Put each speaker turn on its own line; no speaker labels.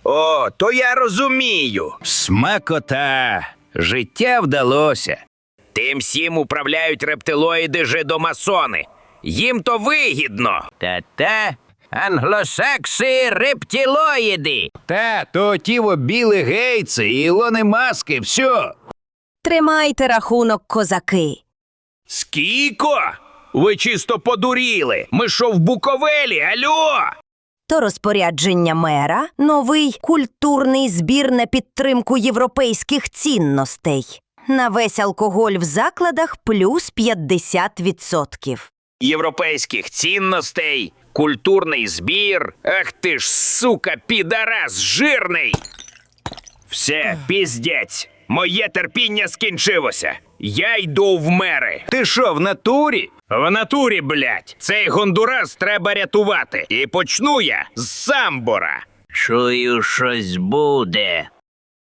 О, то я розумію.
Смакота. Життя вдалося.
Тим всім управляють рептилоїди-жидомасони. Їм то вигідно.
Та-та, англосакси рептилоїди.
Та, то тіво Білли Гейтси і Ілони Маски, все.
Тримайте рахунок, козаки.
Скіко? Ви чисто подуріли. Ми що в Буковелі, альо?
То розпорядження мера – новий культурний збір на підтримку європейських цінностей. На весь алкоголь в закладах плюс 50%.
Європейських цінностей, культурний збір. Ах ти ж, сука, підарас жирний. Все, піздець. Моє терпіння скінчилося. Я йду в мери.
Ти що, в натурі?
В натурі, блядь. Цей Гондурас треба рятувати. І почну я з Самбора.
Чую, щось буде.